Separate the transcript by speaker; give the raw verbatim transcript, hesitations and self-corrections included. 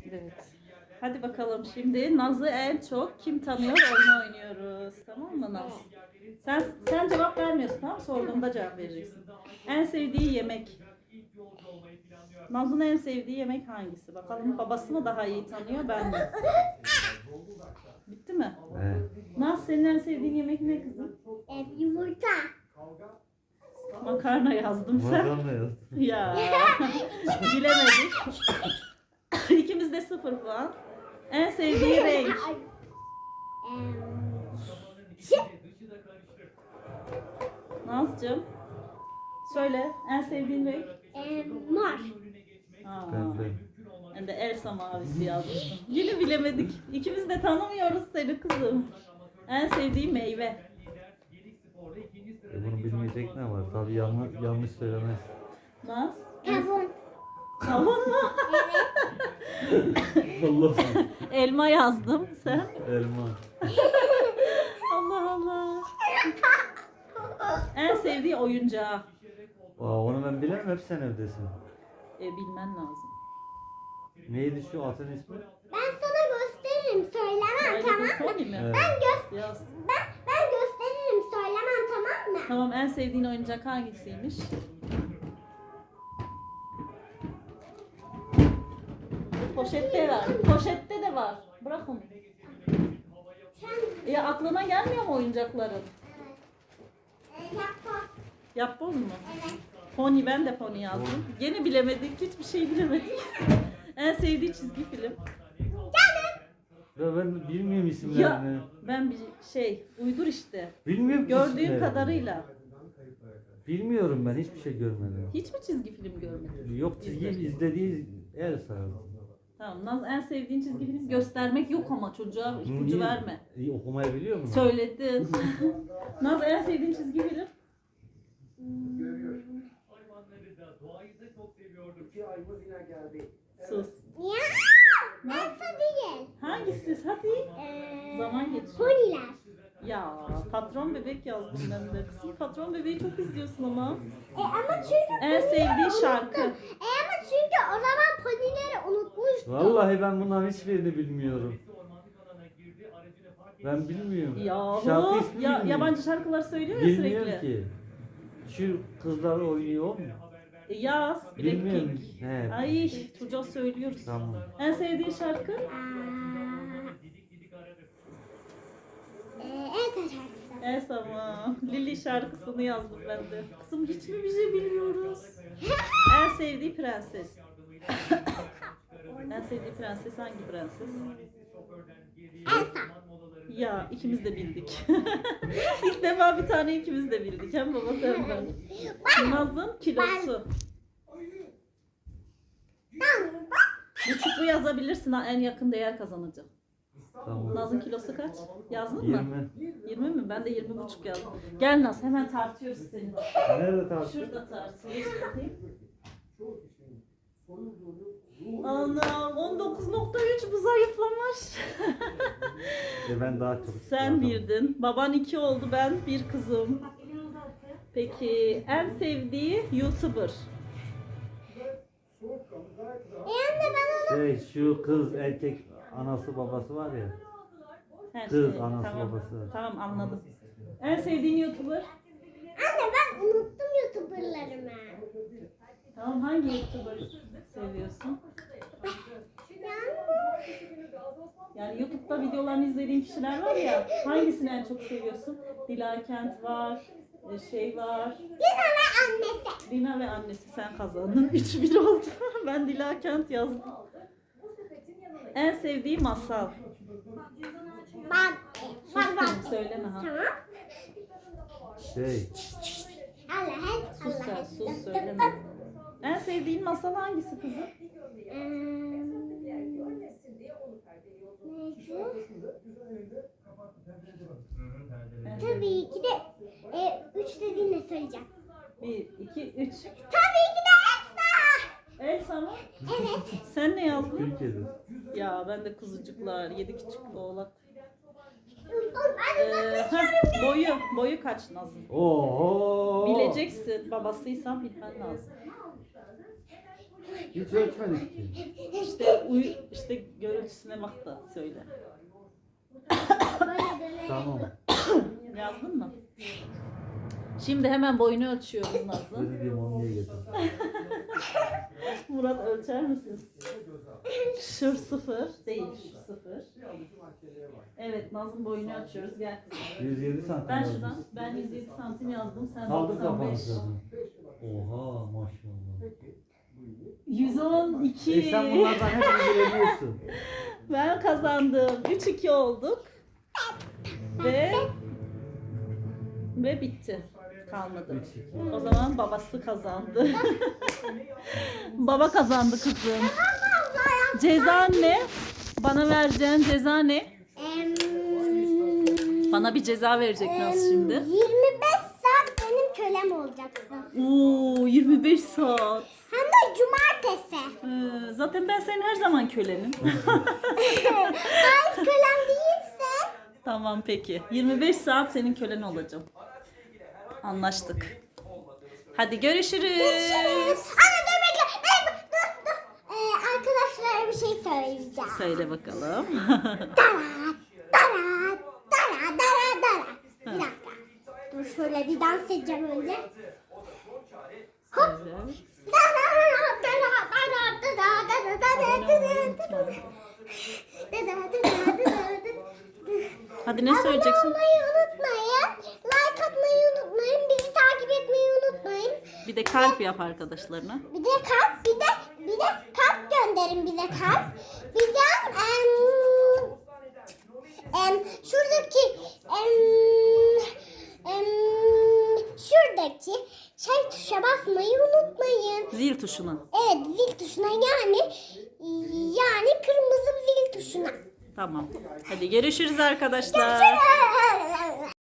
Speaker 1: Evet. Hadi bakalım şimdi Naz'ı en çok kim tanıyor oyunu oynuyoruz. Tamam mı Naz? Sen sen cevap vermiyorsun, tamam mı? Sorduğumda cevap vereceksin. En sevdiği yemek. Naz'ın en sevdiği yemek hangisi? Bakalım babası mı daha iyi tanıyor, ben mi? Bitti mi?
Speaker 2: Evet.
Speaker 1: Naz, senin en sevdiğin yemek ne kızım?
Speaker 3: E, yumurta.
Speaker 1: Makarna yazdım sen.
Speaker 2: Makarna yazdım.
Speaker 1: Ya bilemedik. İkimiz de sıfır puan. En sevdiği renk.
Speaker 3: Em,
Speaker 1: Nazcığım. Söyle en sevdiğin renk.
Speaker 3: em, mor.
Speaker 1: Aa,
Speaker 2: Pembe.
Speaker 1: ben de Elsa mavisi yazmıştım. Yine bilemedik. İkimiz de tanımıyoruz seni kızım. En sevdiğin meyve.
Speaker 2: E bunu bilmeyecek ne var? Tabii yanlış, yanlış söylemez.
Speaker 1: Naz.
Speaker 3: Kavun.
Speaker 1: Kavun mu?
Speaker 2: Allah.
Speaker 1: Elma yazdım. Sen?
Speaker 2: Elma.
Speaker 1: Allah Allah. En sevdiği oyuncağı.
Speaker 2: Aa, onu ben bilemem, hep sen evdesin.
Speaker 1: E, bilmen lazım.
Speaker 2: Neydi şu atın ismi?
Speaker 3: Ben sana gösteririm söylemem
Speaker 1: Öyle
Speaker 3: tamam
Speaker 1: bir
Speaker 3: mı?
Speaker 1: pony mi?
Speaker 2: Evet.
Speaker 3: Ben göz
Speaker 1: Yaz.
Speaker 3: ben ben gösteririm söylemem tamam mı?
Speaker 1: Tamam, en sevdiğin oyuncak hangisiymiş? Poşette var. Poşette de var. Bırak onu.
Speaker 3: Sen
Speaker 1: Ya aklına gelmiyor mu oyuncakların?
Speaker 3: e, yapma.
Speaker 1: Yapboz mu?
Speaker 3: Evet.
Speaker 1: Pony, ben de pony yazdım. Gene bilemedik. Hiçbir şey bilemedik. En sevdiği çizgi film.
Speaker 2: Ya ben bilmiyorum
Speaker 1: Ya
Speaker 2: isimlerini.
Speaker 1: ben bir şey uydur işte.
Speaker 2: Bilmiyorum ki
Speaker 1: Gördüğüm
Speaker 2: isimlerini.
Speaker 1: kadarıyla.
Speaker 2: Bilmiyorum, ben hiçbir şey görmedim.
Speaker 1: Hiç mi çizgi film görmedin?
Speaker 2: Yok, çizgi
Speaker 1: İzle.
Speaker 2: izlediği Elsa.
Speaker 1: Tamam. Naz, en sevdiğin çizgi film göstermek yok ama çocuğa ipucu
Speaker 2: Niye?
Speaker 1: verme.
Speaker 2: İyi, okumayı biliyor musun?
Speaker 1: Söyledin. Naz, en sevdiğin çizgi film? Sus.
Speaker 3: Ya Elsa değil.
Speaker 1: Hangisi? Hadi.
Speaker 3: Ee,
Speaker 1: Zaman geçiyor.
Speaker 3: Poniler.
Speaker 1: Ya patron bebek yazdım ben de. Kızım patron bebeği çok izliyorsun ama.
Speaker 3: E ama çünkü
Speaker 1: En sevdiği şarkı.
Speaker 3: E ama çünkü o zaman ponileri unutmuştum.
Speaker 2: Vallahi ben bunların hiçbirini bilmiyorum. Ben bilmiyorum. Şarkı
Speaker 1: Yahu.
Speaker 2: ismi
Speaker 1: Ya,
Speaker 2: bilmiyorum.
Speaker 1: yabancı şarkılar söylüyor ya
Speaker 2: Bilmiyorum
Speaker 1: sürekli.
Speaker 2: ki. Şu kızlar oynuyor mu?
Speaker 1: E, yaz.
Speaker 2: Bilmiyorum.
Speaker 1: Blackpink.
Speaker 2: He.
Speaker 1: Ay çocuğa söylüyoruz.
Speaker 2: Tamam.
Speaker 1: En sevdiği şarkı?
Speaker 3: Aa, e, Elsa şarkısı.
Speaker 1: Elsa mı? Lily şarkısını yazdım ben de. Kızım hiç mi bir şey bilmiyoruz? En sevdiği prenses. En sevdiği prenses hangi prenses?
Speaker 3: Elsa.
Speaker 1: Ya ikimiz de bildik. İlk defa bir tane ikimiz de bildik. Hem baba hem ben. Naz'ın kilosu. Buçuklu yazabilirsin ha, en yakın değer kazanacak.
Speaker 2: Tamam.
Speaker 1: Naz'ın kilosu kaç? Yazdın mı?
Speaker 2: yirmi.
Speaker 1: yirmi mi? Ben de yirmi buçuk yazdım. Gel Naz, hemen tartıyoruz seni.
Speaker 2: Nerede tartışıyor?
Speaker 1: Şurada tartıyoruz. Bakayım. Anam on dokuz nokta üç, bu zayıflamış.
Speaker 2: E ben daha çok.
Speaker 1: Sen birdin. Baban iki oldu, ben bir kızım. Peki en sevdiği YouTuber?
Speaker 3: E anne ben onu
Speaker 2: Şey, şu kız erkek anası babası var ya.
Speaker 1: Her
Speaker 2: Kız,
Speaker 1: şey.
Speaker 2: anası,
Speaker 1: Tamam.
Speaker 2: babası.
Speaker 1: Tamam, anladım. En sevdiğin YouTuber?
Speaker 3: anne ben unuttum YouTuber'larımı.
Speaker 1: Tamam, hangi YouTuber seviyorsun? Yani YouTube'da videolarını izlediğin kişiler var ya, hangisini en çok seviyorsun? Dila Kent var, e, şey var.
Speaker 3: Lina ve annesi.
Speaker 1: Lina ve annesi, sen kazandın. üç bir oldu. Ben Dila Kent yazdım. En sevdiği masal.
Speaker 3: Ben.
Speaker 1: Sus
Speaker 3: Ben ben.
Speaker 1: kızım, söyleme ha.
Speaker 3: Tamam.
Speaker 2: Şey,
Speaker 3: Allah Allah.
Speaker 1: Sus sen, sus söyleme. En sevdiğin masal hangisi kızım?
Speaker 3: Tabii ki de e, üç dediğinde söyleyeceğim.
Speaker 1: Bir, iki, üç.
Speaker 3: Tabii ki de Elsa.
Speaker 1: Elsa mı?
Speaker 3: Evet.
Speaker 1: Sen ne yazdın?
Speaker 2: Türkiye'de.
Speaker 1: Ya ben de kuzucuklar, yedi küçük oğlak.
Speaker 3: Ben
Speaker 1: Ee, heh, boyu, boyu kaç Nazım?
Speaker 2: Oho.
Speaker 1: Bileceksin. Babasıysan bilmen lazım.
Speaker 2: Hiç ölçmedik ki.
Speaker 1: İşte, uy, işte işte görüntüsüne bak da söyle.
Speaker 3: Böyle dönelim.
Speaker 2: Tamam.
Speaker 1: Yazdın mı? Şimdi hemen boyunu ölçüyoruz Nazlı.
Speaker 2: Özür dilerim onu niye getirdin?
Speaker 1: Murat ölçer misin? Şu sıfır değil, şu sıfır. Evet, Naz'ın boyunu ölçüyoruz. Gel kızım.
Speaker 2: yüz yedi santim
Speaker 1: Ben
Speaker 2: yazmış.
Speaker 1: şuradan, ben yüz yedi santim yazdım. Sen
Speaker 2: Kaldır
Speaker 1: doksan
Speaker 2: kafanı
Speaker 1: beş.
Speaker 2: kızım. Oha maşallah.
Speaker 1: yüz on iki.
Speaker 2: E sen bunlardan hep ilgileniyorsun.
Speaker 1: Ben kazandım. üç iki olduk. Ve ve bitti. Kalmadı.
Speaker 2: üç iki.
Speaker 1: O zaman babası kazandı. Baba kazandı kızım. Ceza ne? Bana vereceğin ceza ne?
Speaker 3: Em,
Speaker 1: Bana bir ceza verecek Naz şimdi.
Speaker 3: yirmi beş saat benim kölem olacaksın.
Speaker 1: Oo, yirmi beş saat.
Speaker 3: Hem de cumartesi.
Speaker 1: Ee, zaten ben senin her zaman kölenim.
Speaker 3: Hayır kölem değilse.
Speaker 1: Tamam peki. yirmi beş saat senin kölen olacağım. Anlaştık. Hadi görüşürüz.
Speaker 3: Anne dur bekle. Dur, dur, dur. Ee, arkadaşlara bir şey söyleyeceğim.
Speaker 1: Söyle bakalım.
Speaker 3: Dara, dara, dara, dara, dara. Bir dakika. Dur şöyle bir dans edeceğim önce. Hop.
Speaker 1: Evet.
Speaker 3: Dara, dara, dara, dara, dara, dara, dara,
Speaker 1: Abone olmayı
Speaker 3: dara, dara.
Speaker 1: unutma.
Speaker 3: Dara, dara, dara, dara.
Speaker 1: Hadi ne
Speaker 3: Abone
Speaker 1: söyleyeceksin?
Speaker 3: olmayı unutmayın. Like atmayı unutmayın. Bizi takip etmeyi unutmayın.
Speaker 1: Bir de kalp yap arkadaşlarına.
Speaker 3: Bir de kalp, bir de bir de kalp gönderin bize kalp. Bir de em, em, şuradaki em, em, şuradaki şey tuşa basmayı unutmayın.
Speaker 1: Zil tuşuna.
Speaker 3: Evet zil tuşuna yani yani kırmızı zil tuşuna.
Speaker 1: Tamam. Hadi görüşürüz arkadaşlar.
Speaker 3: Görüşürüz.